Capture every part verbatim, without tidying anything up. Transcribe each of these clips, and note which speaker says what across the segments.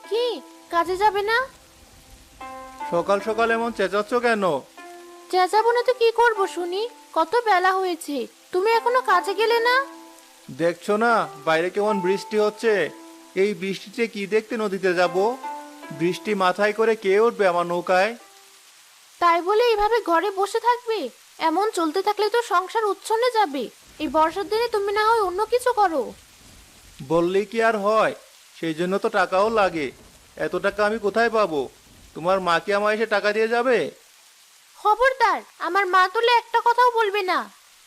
Speaker 1: কি, কাজে যাবে না?
Speaker 2: সকাল সকাল এমন চেঁচাচ্ছ কেন?
Speaker 1: চেঁচাবো না তো কি করবো শুনি? কত বেলা হয়েছে, তুমি এখনো কাজে গেলে না?
Speaker 2: দেখছো না বাইরে কেমন বৃষ্টি হচ্ছে? এই বৃষ্টিতে কি দেখতে নদীতে যাব? বৃষ্টি মাথায় করে কে উঠবে আমার নৌকায়?
Speaker 1: তাই বলে এইভাবে ঘরে বসে থাকবে? এমন চলতে থাকলে তো সংসার উচ্ছন্নে যাবে। এই বর্ষার দিনে তুমি না হয় অন্য কিছু করো।
Speaker 2: বললেই কি আর হয়? সেই জন্য তো টাকাও লাগে। এত টাকা আমি কোথায় পাবো? তোমার মা কি আমায় এসে টাকা দিয়ে যাবে?
Speaker 1: খবরদার, আমার মা তুলে একটা কথাও বলবে না।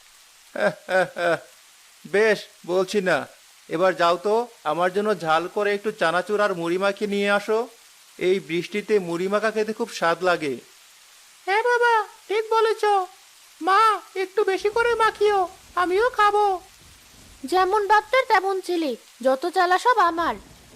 Speaker 2: বেশ, বলছি না। এবার যাও তো, আমার জন্য ঝাল করে একটু চানাচুর আর মুড়ি মাখিয়ে নিয়ে আসো। এই বৃষ্টিতে মুড়ি মাখা খেতে খুব স্বাদ লাগে। হ্যাঁ বাবা, ঠিক বলেছ। মা, একটু বেশি করে মাখিও, আমিও খাবো।
Speaker 1: যেমন বাপটার তেমন ছেলে, যত চালা সব আমার।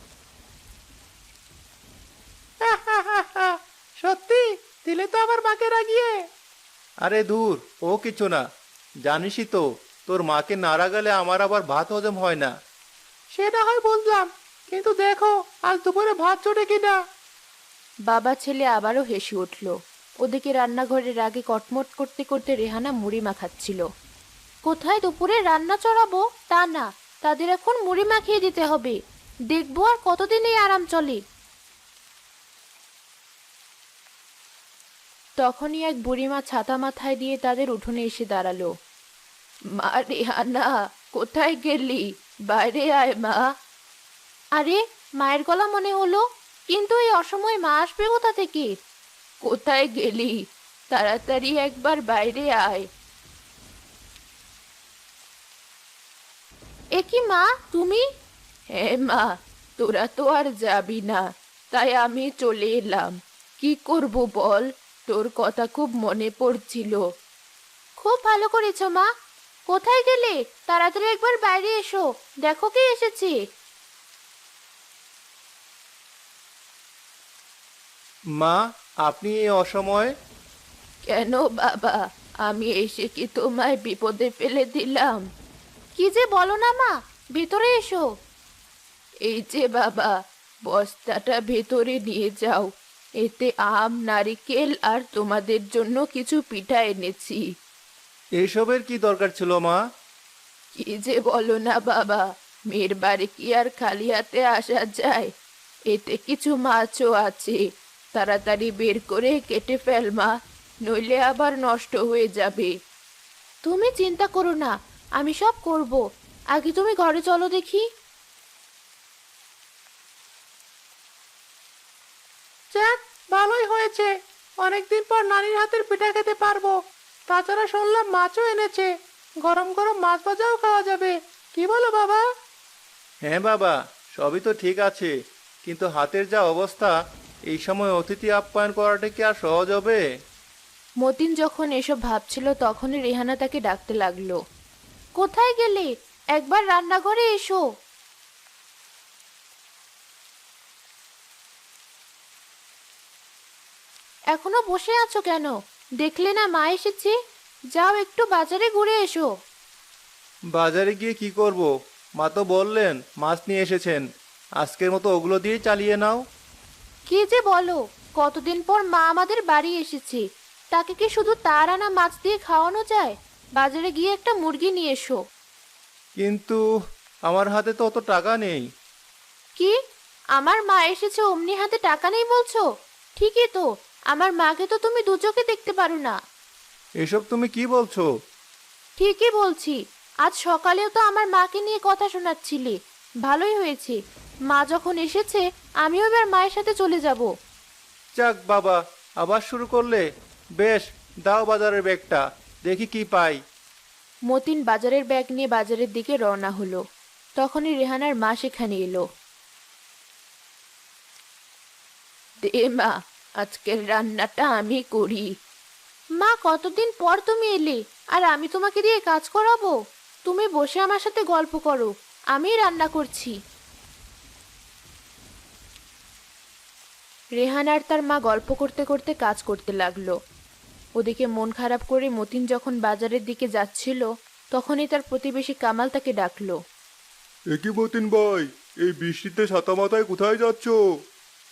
Speaker 2: সত্যি দিলে তো আমার মাকে রাগিয়ে। আরে দূর, ও কিছু না। জানিসই তো, তোর মাকে না রাগালে আমার আবার ভাত হজম হয় না। সেটা হয় বুঝলাম, কিন্তু দেখো আজ দুপুরে ভাত জোটে কিনা।
Speaker 1: বাবা ছেলে আবারও হেসে উঠল। ওদিকে রান্নাঘরের আগে কটমট করতে করতে রেহানা মুড়ি মাখাচ্ছিল। কোথায় দুপুরে রান্না চড়াবো তা না, তাদের এখন মুড়ি মাখিয়ে দিতে হবে। দেখবো আর কতদিন এই আরাম চলে। তখনই এক বুড়িমা ছাতা মাথায় দিয়ে তাদের উঠোনে এসে দাঁড়ালো। মা রেহানা, কোথায় গেলি? বাইরে আয় মা। আরে, মায়ের গলা মনে হলো, কিন্তু এই অসময়ে মা আসবে কোথা থেকে? কোথায় গেলি? তাড়াতাড়ি একবার বাইরে আয়। এ কি মা, তুমি? হ্যাঁ মা, তোরা তো আর যাবি না, তাই আমি চলে এলাম। কি করব বল, তোর কথা খুব মনে পড়ছিল। খুব ভালো করেছো মা। কোথায় গেলে? তাড়াতাড়ি একবার বাইরে এসো, দেখো কে এসেছে।
Speaker 2: মা, আপনি এই অসময়ে?
Speaker 1: কেন বাবা, আমি এসে কি তোমায় বিপদে ফেলে দিলাম? কি যে বলো না মা, ভেতরে এসো। এই যে বাবা, বস্তাটা ভেতরে নিয়ে যাও। এতে আম, নারিকেল আর তোমাদের জন্য কিছু পিঠা এনেছি।
Speaker 2: এইসবের কি দরকার ছিল মা?
Speaker 1: কি যে বলো না বাবা, মেয়ের বাড়ি কি আর খালি হাতে আসা যায়? এতে কিছু মাছও আছে, তাড়াতাড়ি বের করে কেটে ফেল মা, নইলে আবার নষ্ট হয়ে যাবে। তুমি চিন্তা করো না, আমি সব করব। আগে তুমি ঘরে চলো দেখি।
Speaker 2: যাক, ভালোই হয়েছে। অনেকদিন পর নানির হাতের পিঠা খেতে পারবো। তাছাড়া শুনলাম মাছও এনেছে। গরম গরম মাছ ভাজাও খাওয়া যাবে। কি বলো বাবা? হ্যাঁ বাবা, সবই তো ঠিক আছে, কিন্তু হাতের যা অবস্থা, এই সময় অতিথি আপ্যায়ন করাটা কি আর সহজ হবে?
Speaker 1: মতিন যখন এসব ভাবছিল তখনই রেহানা তাকে ডাকতে লাগলো। কোথায় গেলে? একবার রান্নাঘরে এসো। এখনো বসে আছো কেন? দেখলে না মা এসেছে? যাও একটু বাজারে ঘুরে এসো।
Speaker 2: বাজারে গিয়ে কি করব? মা তো বললেন মাছ নিয়ে এসেছেন। আজকের মতো ওগুলো দিয়েই চালিয়ে নাও।
Speaker 1: কি যে বলো, কতদিন পর মা আমাদের বাড়ি এসেছে, তাকে কি শুধু তার আনা মাছ দিয়ে খাওয়ানো যায়? বাজারে গিয়ে একটা মুরগি নিয়ে এসো।
Speaker 2: কিন্তু আমার হাতে তো অত টাকা নেই।
Speaker 1: কি, আমার মা এসেছে অমনি হাতে টাকা নেই বলছো? ঠিকই তো, আমার মাকে তো তুমি দু চোখে দেখতে পারো না।
Speaker 2: এসব তুমি কি বলছো?
Speaker 1: ঠিকই বলছি, আজ সকালেও তো আমার মাকে নিয়ে কথা শোনাচ্ছিলে। ভালোই হয়েছে, মা যখন এসেছে আমিও এবার মায়ের সাথে চলে যাব।
Speaker 2: যাক বাবা, আবার শুরু করলে। বেশ, দাও বাজারের ব্যাগটা, দেখি কি পাই।
Speaker 1: মতিন বাজারের ব্যাগ নিয়ে বাজারের দিকে রওনা হলো। তখনই রেহানার মা সেখানে এলো। দে মা, আজকের রান্নাটা আমি করি। মা, কতদিন পর তুমি এলে, আর আমি তোমাকে দিয়ে কাজ করাবো? তুমি বসে আমার সাথে গল্প করো, আমি রান্না করছি। রেহান আর তার মা গল্প করতে করতে কাজ করতে লাগলো। ওদিকে মন খারাপ করে মতিন যখন বাজারের দিকে যাচ্ছিল, তখনই তার প্রতিবেশী কামাল তাকে ডাকলো।
Speaker 2: একই মতিন ভাই, এই বৃষ্টিতে ছাতা মাথায় কোথায় যাচ্ছো?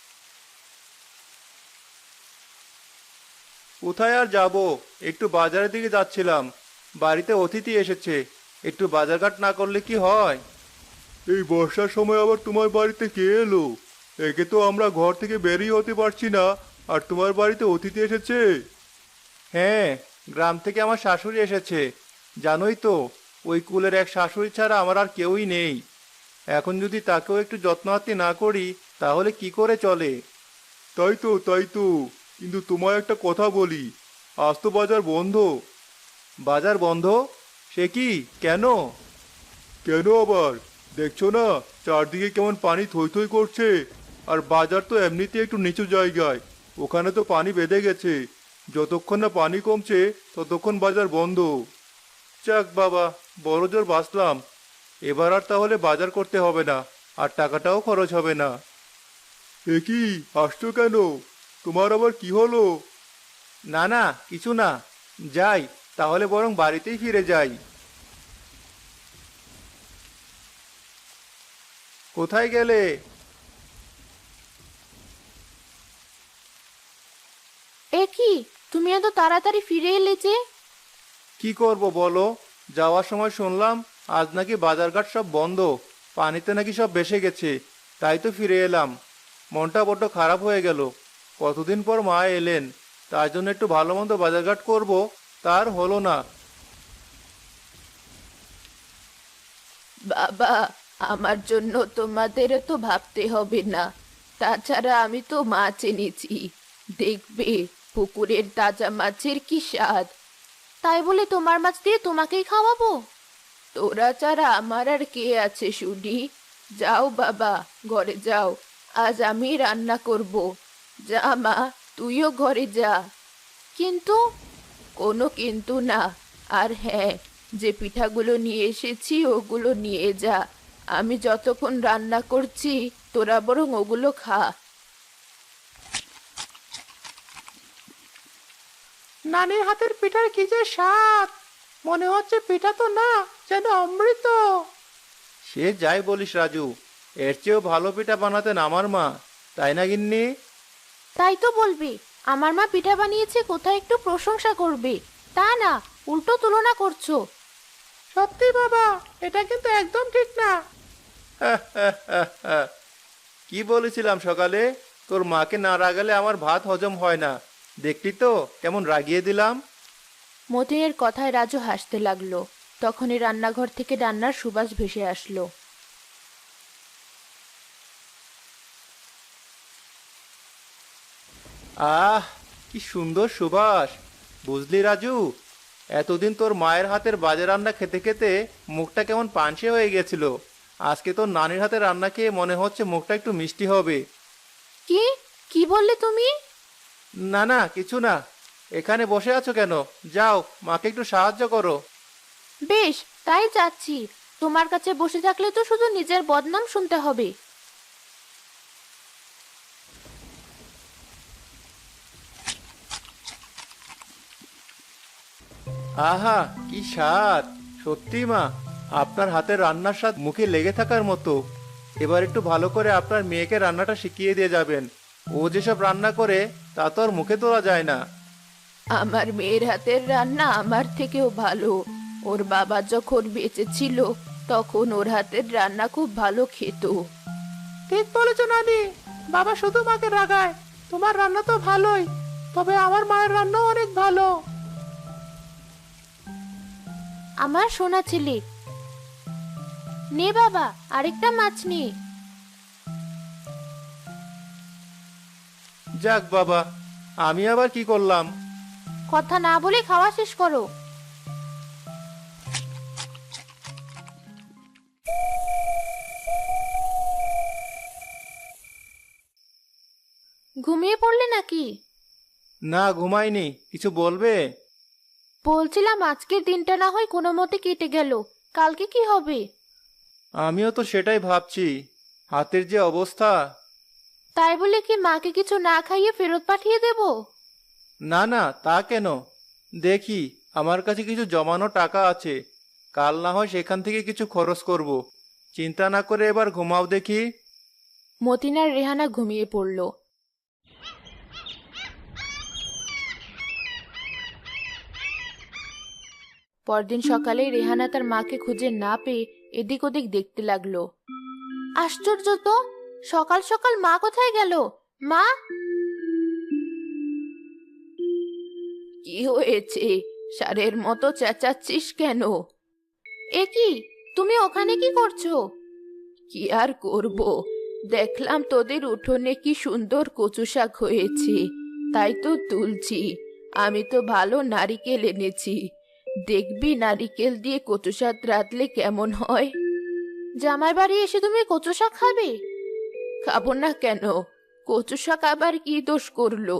Speaker 3: কোথায় আর যাব, একটু বাজারের দিকে যাচ্ছিলাম। বাড়িতে অতিথি এসেছে, একটু বাজারঘাট না করলে কি হয়? এই বর্ষার সময় আবার তোমার বাড়িতে কে এলো? একে তো আমরা ঘর থেকে বেরিয়ে হতে পারছি না, আর তোমার বাড়িতে অতিথি এসেছে? হ্যাঁ, গ্রাম থেকে আমার শাশুড়ি এসেছে। জানোই তো, ওই কুলের এক শাশুড়ি ছাড়া আমার আর কেউই নেই। এখন যদি তাকেও একটু যত্নআত্তি না করি তাহলে কি করে চলে? তাই তো তাই তো কিন্তু তোমায় একটা কথা বলি, আজ তো বাজার বন্ধ। বাজার বন্ধ? সে কি, কেন? কেন আবার? দেখছো না চারদিকে কেমন পানি থই থই করছে, আর বাজার তো এমনিতে একটু নিচু জায়গায়, ওখানে তো পানি বেঁধে গেছে। যতক্ষণ না পানি কমছে ততক্ষণ বাজার বন্ধ। যাক বাবা, বড় জোর বাঁচলাম। এবার আর তাহলে বাজার করতে হবে না, আর টাকাটাও খরচ হবে না। এ কি, হাসছো কেন? তোমার আবার কি হলো? না না, কিছু না। যাই, তাহলে বরং বাড়িতেই ফিরে যাই। কোথায় গেলে?
Speaker 1: এ কি, তুমি এত তাড়াতাড়ি ফিরে এলে যে?
Speaker 3: কি করব বলো, যাওয়ার সময় শুনলাম আজ নাকি বাজারঘাট সব বন্ধ, পানিতে নাকি সব ভেসে গেছে। তাই তো ফিরে এলাম। মনটা বড্ড খারাপ হয়ে গেল। কতদিন পর মা এলেন, তার জন্য একটু ভালো মন্দ বাজারঘাট করব, তার হলো না।
Speaker 1: বাবা, আমার জন্য তোমাদের তো ভাবতে হবে না। তাছাড়া আমি তো মাছ এনেছি, দেখবে পুকুরের তাজা মাছের কি স্বাদ। তাই বলে তোমার মাছ দিয়ে তোমাকেই খাওয়াবো? তোরা ছাড়া আমার আর কে আছে শুনি? যাও বাবা, ঘরে যাও, আজ আমি রান্না করব। যা মা, তুইও ঘরে যা। কিন্তু? কোনো কিন্তু না। আর হ্যাঁ, যে পিঠাগুলো নিয়ে এসেছি ওগুলো নিয়ে যা। আমি যতক্ষণ রান্না করছি তোরা বরং ওগুলো খা।
Speaker 2: নানির হাতের পিঠার কি যে স্বাদ! মনে হচ্ছে পিঠা তো না, যেন অমৃত।
Speaker 3: সে যাই বলিস রাজু, এর চেয়েও ভালো পিঠা বানাতেন আমার মা, তাই না গিন্নি?
Speaker 1: তাই তো বলবে, আমার মা পিঠা বানিয়েছে কোথায় একটু প্রশংসা করবে, তা না উল্টো তুলনা করছো।
Speaker 2: সত্যি বাবা, এটা কিন্তু একদম ঠিক না।
Speaker 3: কি বলেছিলাম সকালে, তোর মাকে না রাগালে আমার ভাত হজম হয় না। দেখলি তো কেমন রাগিয়ে দিলাম।
Speaker 1: মতিনের কথায় রাজু হাসতে লাগলো। তখনই রান্নাঘর থেকে রান্নার সুবাস ভেসে আসলো।
Speaker 3: আহ, কি সুন্দর সুবাস! বুঝলি রাজু, এতদিন তোর মায়ের হাতের বাজে রান্না খেতে খেতে মুখটা কেমন পানসে হয়ে গেছিল। আজকে তোর নানির হাতের রান্না খেয়ে মনে হচ্ছে মুখটা একটু মিষ্টি হবে।
Speaker 1: কি কি বললে তুমি?
Speaker 3: না না, কিছু না। এখানে বসে আছো কেন? যাও, মাকে একটু সাহায্য করো।
Speaker 1: বেশ, তাই যাচ্ছি। তোমার কাছে বসে থাকলে তো শুধু নিজের বদনাম শুনতে হবে।
Speaker 3: আহা, কি স্বাদ! সত্যি মা, আপনার হাতের রান্নার স্বাদ মুখে লেগে থাকার মতো। এবার একটু ভালো করে আপনার মেয়েকে রান্নাটা শিখিয়ে দিয়ে যাবেন। ও যেসব রান্না করে তা তো আর মুখে তোলা যায় না।
Speaker 1: আমার মেয়ের হাতের রান্না আমার থেকেও ভালো। ওর বাবা যখন বেঁচে ছিল তখন ওর হাতের রান্না খুব ভালো খেত।
Speaker 2: ঠিক বলেছো নানি, বাবা শুধু মাকে রাগায়। তোমার রান্না তো ভালোই, তবে আমার মায়ের রান্নাও অনেক ভালো।
Speaker 1: আমার সোনা ছেলে, নে বাবা, আরেকটা মাছ নে।
Speaker 3: যাক বাবা, আমি আবার কি করলাম?
Speaker 1: কথা না বলে খাওয়া শেষ করো। ঘুমিয়ে পড়লে নাকি?
Speaker 3: না, ঘুমাইনি। কিছু বলবে?
Speaker 1: বলছিলাম আজকের দিনটা না হয় কোনো মতে কেটে গেল, কালকে কি হবে?
Speaker 3: আমিও তো সেটাই ভাবছি, হাতের যে অবস্থা।
Speaker 1: তাই বলে কি মাকে কিছু না খাইয়ে ফেরত পাঠিয়ে দেব?
Speaker 3: না না, তা কেন? দেখি, আমার কাছে কিছু জমানো টাকা আছে, কাল না হয় সেখান থেকে কিছু খরচ করব। চিন্তা না করে এবার ঘুমাও দেখি।
Speaker 1: মতিন আর রেহানা ঘুমিয়ে পড়ল। পরদিন সকালে রেহানা তার মাকে খুঁজে না পেয়ে এদিক ওদিক দেখতে লাগলো। আশ্চর্য তো, সকাল সকাল মা কোথায় গেল? মা! কি হয়েছে? ষাঁড়ের মতো চেঁচাচ্ছিস কেন? এ কি, তুমি ওখানে কি করছো? কি আর করব, দেখলাম তোদের উঠোনে কি সুন্দর কচু শাক হয়েছে, তাই তো তুলছি। আমি তো ভালো নারিকেল এনেছি, দেখবি নারিকেল দিয়ে কচু শাক রাঁধলে কেমন হয়। জামাই বাড়ি এসে তুমি কচু শাক খাবে? খাবো না কেন? কচু শাক আবার কি দোষ করলো?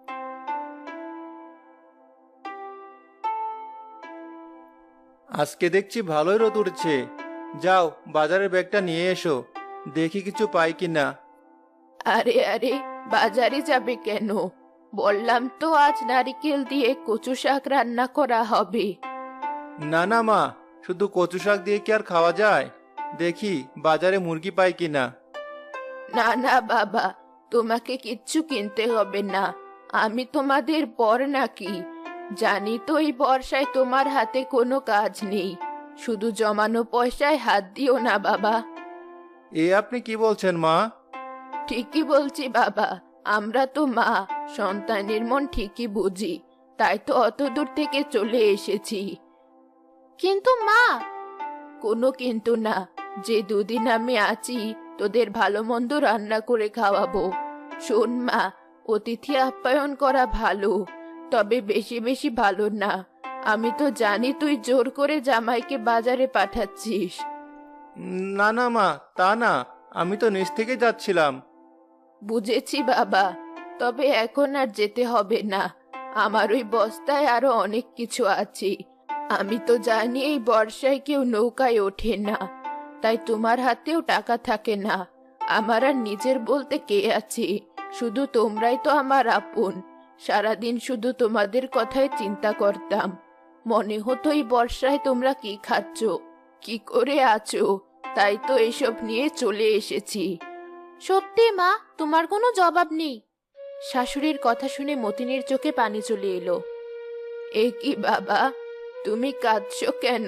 Speaker 3: আজকে দেখছি ভালোই রোদ উঠছে। যাও বাজারের ব্যাগটা নিয়ে এসো, দেখি কিছু পাই কিনা।
Speaker 1: আরে আরে, বাজারে যাবে কেন? বললাম তো আজ নারিকেল দিয়ে কচু শাক রান্না করা হবে।
Speaker 3: না না মা, শুধু কচু শাক দিয়ে কি আর খাওয়া যায়? দেখি বাজারে মুরগি পাই কিনা।
Speaker 1: না না বাবা, তোমাকে কিচ্ছু কিনতে হবে না। আমি তোমাদের বর নাকি? জানি তো এই বর্ষায় তোমার হাতে কোনো কাজ নেই, শুধু জমানো পয়সায় হাত দিও না বাবা।
Speaker 3: এ আপনি কি বলছেন মা?
Speaker 1: ঠিকই বলছি বাবা, আমরা তো মা, সন্তানের মন ঠিকই বুঝি, তাই তো অত দূর থেকে চলে এসেছি। কিন্তু মা! কোনো কিন্তু না, যে দুদিন আমি আছি তোদের ভালো মন্দ রান্না করে খাওয়াবো। শোন মা, অতিথি আপ্যায়ন করা ভালো, তবে বেশি বেশি ভালো না। আমি তো জানি তুই জোর করে জামাইকে বাজারে পাঠাচ্ছিস।
Speaker 3: না না মা, তা না, আমি তো নিচ থেকে যাচ্ছিলাম।
Speaker 1: বুঝেছি বাবা, তবে এখন আর যেতে হবে না। আমার ওই বস্তায় আরো অনেক কিছু আছে। আমি তো জানি এই বর্ষায় কেউ নৌকায় ওঠে না, তাই তোমার হাতেও টাকা থাকে না। আমার আর নিজের বলতে কে আছে? শুধু তোমরাই তো আমার আপন। সারাদিন শুধু তোমাদের কথাই চিন্তা করতাম। মনে হতো এই বর্ষায় তোমরা কি খাচ্ছ, কি করে আছো, তাই তো এসব নিয়ে চলে এসেছি। সত্যি মা, তোমার কোনো জবাব নেই। শাশুড়ির কথা শুনে মতিনের চোখে পানি চলে এলো। এ কি বাবা, তুমি কাঁদছো কেন?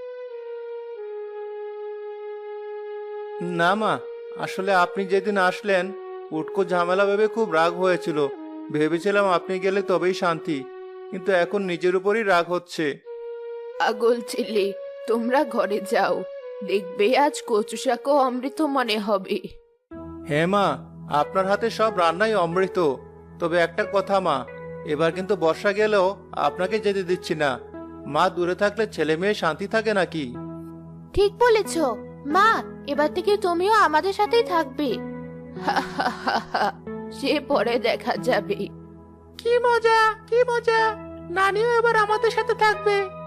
Speaker 3: না মা, আসলে আপনি যেদিন আসলেন উটকো ঝামেলা ভেবে খুব রাগ হয়েছিল। ভেবেছিলাম আপনি গেলে তবেই শান্তি, কিন্তু এখন নিজের উপরই রাগ হচ্ছে।
Speaker 1: পাগল ছেলে, তোমরা ঘরে যাও, দেখবে আজ কচু শাকও অমৃত মনে হবে।
Speaker 3: হ্যাঁ মা, আপনার হাতে সব রান্নাই অমৃত। তবে একটা কথা মা, এবার কিন্তু বর্ষা গেলেও আপনাকে যেতে দিচ্ছি না। মা দূরে থাকলে ছেলে মেয়ে শান্তি থাকে নাকি?
Speaker 1: ঠিক বলেছ মা, এবার থেকে তুমিও আমাদের সাথেই থাকবে। হা হা হা হা, সে পরে দেখা যাবে।
Speaker 2: কি মজা, কি মজা! নানিও এবার আমাদের সাথে থাকবে।